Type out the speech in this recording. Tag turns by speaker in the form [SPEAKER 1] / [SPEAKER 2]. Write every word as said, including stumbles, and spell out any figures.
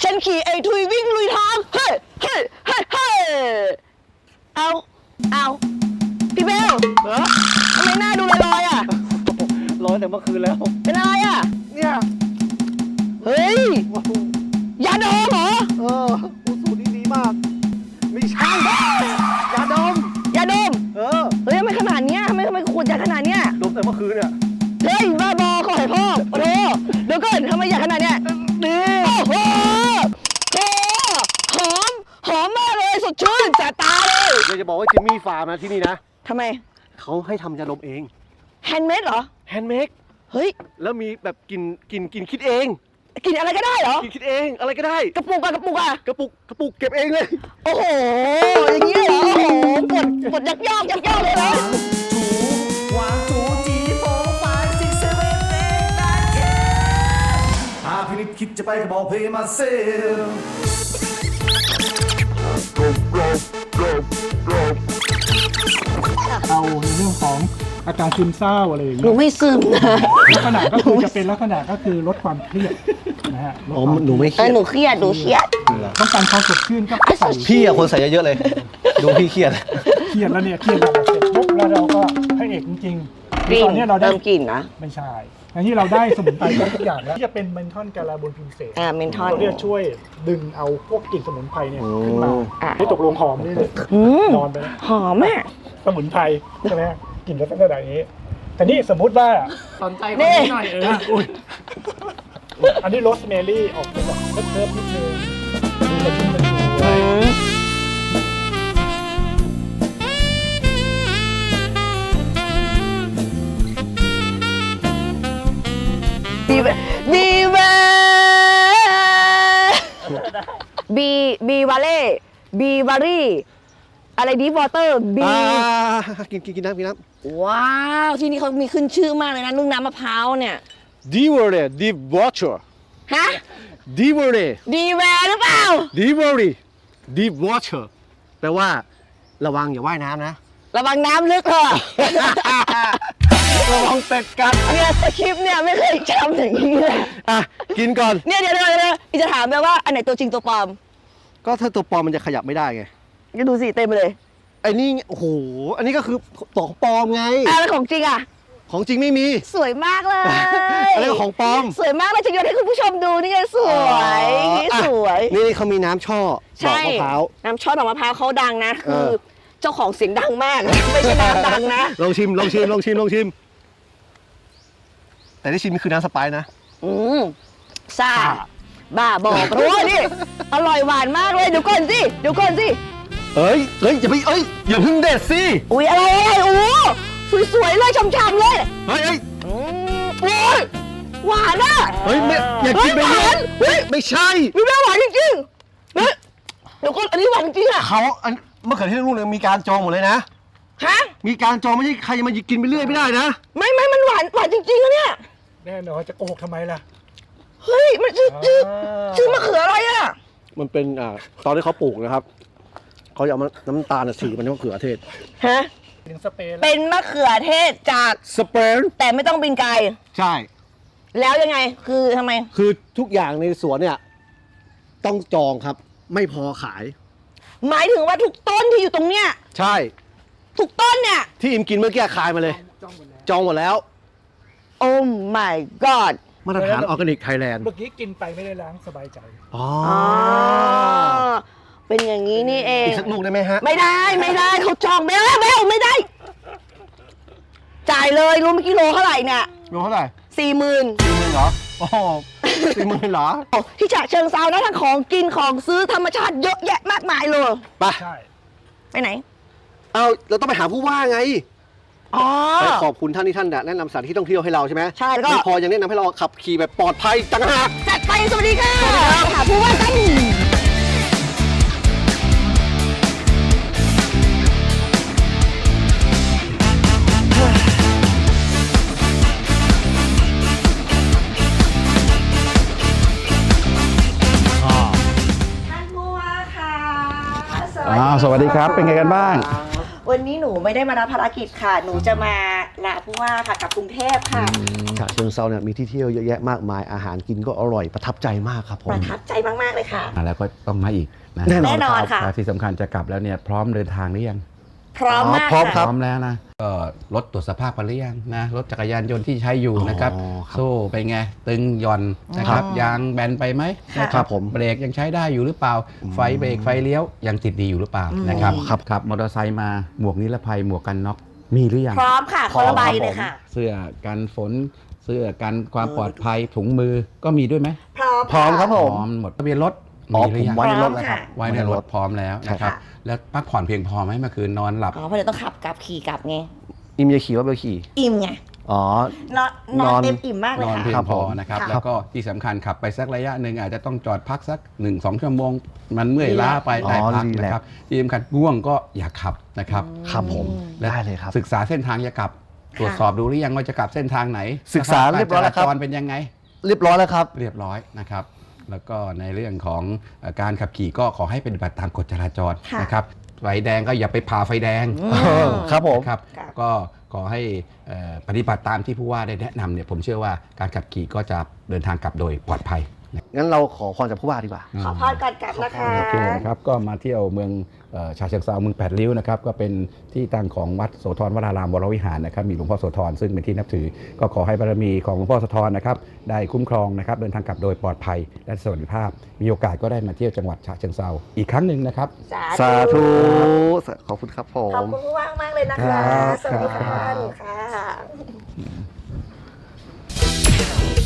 [SPEAKER 1] ฉันขี่ไอ้ทุยวิ่งลุยทางเฮ้ยเฮ้ยเฮ้ยเฮ้ยเอาเอาพี่เบลเหรอทำไมหน้าดูลอยๆอ่ะ
[SPEAKER 2] ลอยแต่เมื่อคืนแล้ว
[SPEAKER 1] เป็นอะไรอ่ะ
[SPEAKER 2] เนี่ย
[SPEAKER 1] เฮ้ยยาดมเหรอ
[SPEAKER 2] เอออูสูนี่ดีมากไม่ใช่ยาดม
[SPEAKER 1] ยาดม
[SPEAKER 2] เออ
[SPEAKER 1] เฮ้ยทำไมขนาดเนี้ยทำไมทำไมขวดยาขนาดเนี้ย
[SPEAKER 2] ดมแต่เมื่อคืนเนี่ย
[SPEAKER 1] เฮ้ยบ้าบอขอให้พ่อโอ้โหเดี๋ยวก่อนทำไมยาขนาดเนี้ย
[SPEAKER 2] นี่
[SPEAKER 1] โอ้โหโอ้หอมหอมมากเลยสดชื่นแสบตาเลย
[SPEAKER 2] อยากจะบอกว่าจิมมี่ฟาร์มนะที่นี่นะ
[SPEAKER 1] ทำไม
[SPEAKER 2] เขาให้ทำยาดมเอง
[SPEAKER 1] แฮนด์เมดเหรอ
[SPEAKER 2] แฮนด์เมด
[SPEAKER 1] เฮ้ย
[SPEAKER 2] แล้วมีแบบกินกินกินคิดเอง
[SPEAKER 1] กินอะไรก็ได้เหรอ
[SPEAKER 2] กินคิดเองอะไรก็ได้
[SPEAKER 1] กระปุกอะกระปุกอะ
[SPEAKER 2] กระปุกกระปุกเก็บเองเลย
[SPEAKER 1] โอ้โหอย่างนี้เหรอโอ้โหกดกดยักยอกยักยอกเลยเหรอ
[SPEAKER 3] ถูวางถูจีโฟไฟซิกเซเว่นเอ็กแปดเคหากพินิจคิดจะไปก็บอกเพย์มาเซล
[SPEAKER 4] เอาในเรื่องของอาการซึมเศร้าอะไรอย่างเงี้
[SPEAKER 1] หนู
[SPEAKER 4] ย
[SPEAKER 1] ไม่ซึมนะ
[SPEAKER 4] ลักษณะก็คือจะเป็นลักษณะก็คือลดความเครียดนะฮะ
[SPEAKER 2] อ๋อหนูไม่เค
[SPEAKER 1] เอ
[SPEAKER 2] รี
[SPEAKER 1] อย
[SPEAKER 2] ด
[SPEAKER 1] หนูเครียดหนูเครียด
[SPEAKER 4] ต้องการความสดชื่นก็ใส่
[SPEAKER 2] พี่อะคนใส่เยอะๆเลยดูพี่เครียด
[SPEAKER 4] เครียดแล้วเนี่ยเครียดแล้วเสร็จปุ๊บแล้วเราก็ให้เอกจริงๆตอนนี้เราได้
[SPEAKER 1] เติมกลิ่นนะ
[SPEAKER 4] ไม่ใช่อันนี้เราได้สมุนไพรทุกอย่างแล้วที่จะเป็นเมนทอนกาลาโบนพิมเสน
[SPEAKER 1] อ่าเมนทอน
[SPEAKER 4] เราจะช่วยดึงเอาพวกกลิ่นสมุนไพรเนี่ยขึ้นมาให้ตกลงหอมนี่เลยนอนไป
[SPEAKER 1] หอมอ่ะ
[SPEAKER 4] สมุนไพรใช่ไหมกลิ่นลักษณะนี้แต่นี่สมมุติว่า
[SPEAKER 3] สนใจคนนี้หน่อยเออ
[SPEAKER 4] อุ้ยอันนี้โรสแมรี่ออกเป็นแบบเคิร์ฟนิดนึงดูกระชุ่มกระชวย
[SPEAKER 1] บีบีเวบีบีวาเล่บีวารี่อะไรดีวอเตอร์บี
[SPEAKER 2] กินกินกินน้ำกินน้
[SPEAKER 1] ำว้าวที่นี่เขามีขึ้นชื่อมากเลยนะนึ่งน้ำมะพร้าวเนี่ย
[SPEAKER 2] ดีเวอร์เรดีวอเตอร์
[SPEAKER 1] ฮะ
[SPEAKER 2] ดีเวอร์เร
[SPEAKER 1] ดีแวร์หรือเปล่า
[SPEAKER 2] ดีเวอร์เรดีวอเตอร์แปลว่าระวังอย่าว่ายน้ำนะ
[SPEAKER 1] ระวังน้ำลึกเถอะ
[SPEAKER 2] ระวังเป็ดกัด
[SPEAKER 1] เนี่ยสคริปต์เนี่ยไม่เคยจำอย่างนี้เลย
[SPEAKER 2] อ่ะกินก่อน
[SPEAKER 1] เนี่ยเดี๋ยวเดี๋ยวเดี๋ยวอีจะถามแปลว่าอันไหนตัวจริงตัวปลอม
[SPEAKER 2] ก็ถ้าตัวปลอมมันจะขยับไม่ได้ไง
[SPEAKER 1] ก็ดูสิเต็มไปเลย
[SPEAKER 2] ไอ้นี่โอ้โหอันนี้ก็คือของปลอมไง
[SPEAKER 1] อ่ะแล้วของจริงอ่ะ
[SPEAKER 2] ของจริงไม่มี
[SPEAKER 1] สวยมากเลย
[SPEAKER 2] อันนี้ของปลอม
[SPEAKER 1] สวยมากเลยจะโยนให้คุณผู้ชมดูนี่ไงสวยสวย
[SPEAKER 2] นี่เขามีน้ำช่อดอกมะพร้าว
[SPEAKER 1] น้ำช่อดอกมะพร้าวเขาดังนะคือเจ้าของเสียงดังมากไม่ใช่น้ำดังนะ
[SPEAKER 2] ลองชิมลองชิมลองชิมลองชิมแต่ที่ชิมคือน้ำสไปซ์นะ
[SPEAKER 1] อืมซ่าบ้าบอกเพราะว่านี่อร่อยหวานมากเลยเดี๋ยวก่อนสิเดี๋ยวก่อนสิ
[SPEAKER 2] เอ้ยเอ้ยอย่าไปเอ้ยอย่าเพิ่งเด็ดสิ
[SPEAKER 1] อุ้ยอะไรอะไรโอ้สวยๆเลยช่ำๆเลย
[SPEAKER 2] เฮ้ยเฮ้ย
[SPEAKER 1] โอ้ยหวานอ่ะ
[SPEAKER 2] เฮ้ยไม่อย่ากินไปเลยเฮ้ยไม่ใช่
[SPEAKER 1] ไม่ได้หวานจริงๆเฮ้ยเดี๋ยวก่อนอันนี้หวานจริงอ่ะ
[SPEAKER 2] เขาอันเมื่อเขือเทศลูกนึงมีการจองหมดเลยนะ
[SPEAKER 1] ฮะ
[SPEAKER 2] มีการจองไม่ใช่ใครจะมากินไปเรื่อยไม่ได้นะ
[SPEAKER 1] ไม่ไม่มันหวานหวานจริงๆนะเนี่ย
[SPEAKER 4] แน่นอนจะโกหกทำไมล่ะ
[SPEAKER 1] เฮ้ยมันชื่อชื่อชื่อมะเขืออะไรอ่ะ
[SPEAKER 2] มันเป็นอ่าตอนที่เขาปลูกนะครับเขาจะเอาน้ำตาลสีมันมะเขือเทศ
[SPEAKER 1] ฮะเป็นมะเขือเทศจาก
[SPEAKER 2] สเปน
[SPEAKER 1] แต่ไม่ต้องบินไกล
[SPEAKER 2] ใช่
[SPEAKER 1] แล้วยังไงคือทำไม
[SPEAKER 2] คือทุกอย่างในสวนเนี่ยต้องจองครับไม่พอขาย
[SPEAKER 1] หมายถึงว่าทุกต้นที่อยู่ตรงเนี้ย
[SPEAKER 2] ใช่
[SPEAKER 1] ทุกต้นเนี่ย
[SPEAKER 2] ที่อิมกินเมื่อกี้ขายมาเลยจองหมดแล้ว
[SPEAKER 1] โอ้ my god
[SPEAKER 2] มาตรฐานออร์แกนิกไทยแลนด์
[SPEAKER 4] เมื่อกี้กินไปไม่ได้ล้างสบายใจ
[SPEAKER 2] อ๋อ
[SPEAKER 1] เป็นอย่างนี้นี่เอง
[SPEAKER 2] อีกสักลูกได้ไหมฮะ
[SPEAKER 1] ไม่ได้ไม่ได้เขาจองไม่ได้ไม่เอาไม่ได้จ่ายเลยรู้เมื่อกี้โลเท่าไหร่เนี่ย
[SPEAKER 2] โลเท่าไหร่
[SPEAKER 1] สี่หมื่น
[SPEAKER 2] สี่หมื่นเหรอโอ้สี่หมื่นเหรอ
[SPEAKER 1] ที่ฉะเชิงเซานะทั้งของกินของซื้อธรรมชาติเยอะแยะมากมายเลย
[SPEAKER 2] ไป
[SPEAKER 1] ไปไหน
[SPEAKER 2] เอาเราต้องไปหาผู้ว่าไง
[SPEAKER 1] อ๋อ
[SPEAKER 2] ขอบคุณท่านที่ท่านแนะนำสถานที่ท่องเที่ยวให้เราใช่ไหม
[SPEAKER 1] ใช่แล้วก็
[SPEAKER 2] ไม่พอยังแนะนำให้เราขับขี่แบบปลอดภัยต่างหาก
[SPEAKER 1] จัดไปสวัสดีค่ะหาผู้ว่ากันท่านผู้ว่าค่ะ
[SPEAKER 5] สวัสดีครับเป็นไงกันบ้าง
[SPEAKER 1] วันนี้หนูไม่ได้มารับภารกิจค่ะหนูจะมาลาผู้ว่าค่ะกับกรุงเทพค่ะ
[SPEAKER 2] ฉะเชิงเซาเนี่ยมีที่เที่ยวเยอะแยะมากมายอาหารกินก็อร่อยประทับใจมากครับผ
[SPEAKER 1] ป
[SPEAKER 2] ม
[SPEAKER 1] ระทับใจมากๆเลยค่ะ
[SPEAKER 5] มาแล้วก็ต้องมาอีกนะ
[SPEAKER 2] แน่นอน
[SPEAKER 1] แน่นอนค่ะ
[SPEAKER 5] และที่สำคัญจะกลับแล้วเนี่ยพร้อมเดินทางหรือยัง
[SPEAKER 1] พร้อมมาก
[SPEAKER 2] พร้อมค
[SPEAKER 5] พ
[SPEAKER 2] รับ
[SPEAKER 5] ร้อมแล้วนะก็รถตรวจสภาพไปหรือยังนะรถจักรยานยนต์ที่ใช้อยู่นะครับ
[SPEAKER 2] อ๋อครับ
[SPEAKER 5] โซ่ไปไงตึงหย่อนนะครับยางแบนไปไหมนะค
[SPEAKER 2] ครั
[SPEAKER 5] รับบ
[SPEAKER 2] ผม
[SPEAKER 5] เบรกยังใช้ได้อยู่หรือเปล่า ไฟเบรกไฟเลี้ยวยังติดดีอยู่หรือเปล่านะครับ
[SPEAKER 2] อ๋อครับ
[SPEAKER 5] ขับมอเตอร์ไซค์มาหมวกนิรภัยหมวกกันน็อกมีหรือยัง
[SPEAKER 1] พร้อมค่ะคนละใบเลยค่ะ
[SPEAKER 5] เสื้อกันฝนเสื้อกันความปลอดภัยถุงมือก็มีด้วยไหม
[SPEAKER 1] พร้อม
[SPEAKER 2] พร้อมครับ
[SPEAKER 5] พ
[SPEAKER 2] ผ
[SPEAKER 5] ร้
[SPEAKER 2] ม
[SPEAKER 5] อมหมดทะเบียนรถ
[SPEAKER 2] อ๋อ
[SPEAKER 5] มีหรือยัง
[SPEAKER 2] ผมไว้ในรถ
[SPEAKER 1] พร้อม
[SPEAKER 2] แล้วครับ
[SPEAKER 1] ค่ะ
[SPEAKER 5] ไว้ในรถพร้อมแล้วนะครับ
[SPEAKER 1] ค่ะ
[SPEAKER 5] แล้วพักผ่อนเพียงพอไหมเมื่อคืนนอนหลับ
[SPEAKER 1] อ๋อเพราะเดี๋ยวต้องขับกลับขี่กลับไง
[SPEAKER 2] อิมจะขี่ว่าเบลขี่
[SPEAKER 1] อิ่มไง
[SPEAKER 2] อ๋อ
[SPEAKER 1] นอนนอน
[SPEAKER 2] นอน
[SPEAKER 1] เต็มอิ่มมากเล
[SPEAKER 5] น
[SPEAKER 1] ย
[SPEAKER 5] อน
[SPEAKER 1] ค่ะ
[SPEAKER 5] เพีย
[SPEAKER 2] ครั
[SPEAKER 5] ง
[SPEAKER 2] บ
[SPEAKER 5] พอ
[SPEAKER 2] ผม
[SPEAKER 5] นะครับ
[SPEAKER 1] ค่ะ
[SPEAKER 5] แล้วก็ที่สำคัญขับไปสักระยะหนึ่งอาจจะต้องจอดพักสักหนึ่งสองชั่วโมง มันเมื่อยล้าไป
[SPEAKER 2] อ๋อ
[SPEAKER 5] แต่พัก
[SPEAKER 2] รีแลกซ์
[SPEAKER 5] นะครับที่สำคัญง่วงก็อย่าขับนะครับ
[SPEAKER 2] ครับผม
[SPEAKER 5] และ
[SPEAKER 2] ได้เลยครับ
[SPEAKER 5] ศึกษาเส้นทางจะกลับ ตรวจสอบดูหรือยังว่าจะกลับเส้นทางไหน
[SPEAKER 2] ศึกษาเรียบร้อยแล้วครับ
[SPEAKER 5] สภาพกาจาจรเป็นยังไง
[SPEAKER 2] เรียบร้อยแล้วครับ
[SPEAKER 5] เรียบร้อยนะครับ แล้วก็ในเรื่องของเอ่อการขับขี่ก็ขอให้ปฏิบัติตามกฎจราจร
[SPEAKER 1] ค่ะ
[SPEAKER 5] นะครับ ไฟแดงก็อย่าไปผ่าไฟแดง
[SPEAKER 1] อืม
[SPEAKER 2] ครับผม
[SPEAKER 5] นะครับ
[SPEAKER 1] ค่ะ
[SPEAKER 5] ก็ขอให้เอ่อปฏิบัติตามที่ผู้ว่าได้แนะนำเนี่ยผมเชื่อว่าการขับขี่ก็จะเดินทางกลับโดยปลอดภัย
[SPEAKER 2] งั้นเราขอพรจากผู้ว่าดีกว่า
[SPEAKER 1] ขอพรก่อนกลับนะคะ
[SPEAKER 5] โอเคนะครับก็มาเที่ยวเมืองเอ่อฉะเชิงเทราเมืองแปดริ้วนะครับก็เป็นที่ตั้งของวัดโสธรวรารามวรวิหารนะครับมีหลวงพ่อโสธรซึ่งเป็นที่นับถือ ก็ขอให้บารมีของหลวงพ่อโสธรนะครับได้คุ้มครองนะครับเดินทางกลับโดยปลอดภัยและสวัสดิภาพ มีโอกาสก็ได้มาเที่ยวจังหวัดฉะเชิงเทราอีกครั้งหนึ่งนะครับ
[SPEAKER 2] สาธุ ขอบคุณครับผ
[SPEAKER 1] ขอบ
[SPEAKER 2] ม
[SPEAKER 1] คุณผู้ว่ามากเลยนะ
[SPEAKER 2] ครั
[SPEAKER 1] คะ
[SPEAKER 2] บ
[SPEAKER 1] สวัสดี
[SPEAKER 2] ครั
[SPEAKER 1] ค่ะ
[SPEAKER 2] บ
[SPEAKER 1] หนูค่ะ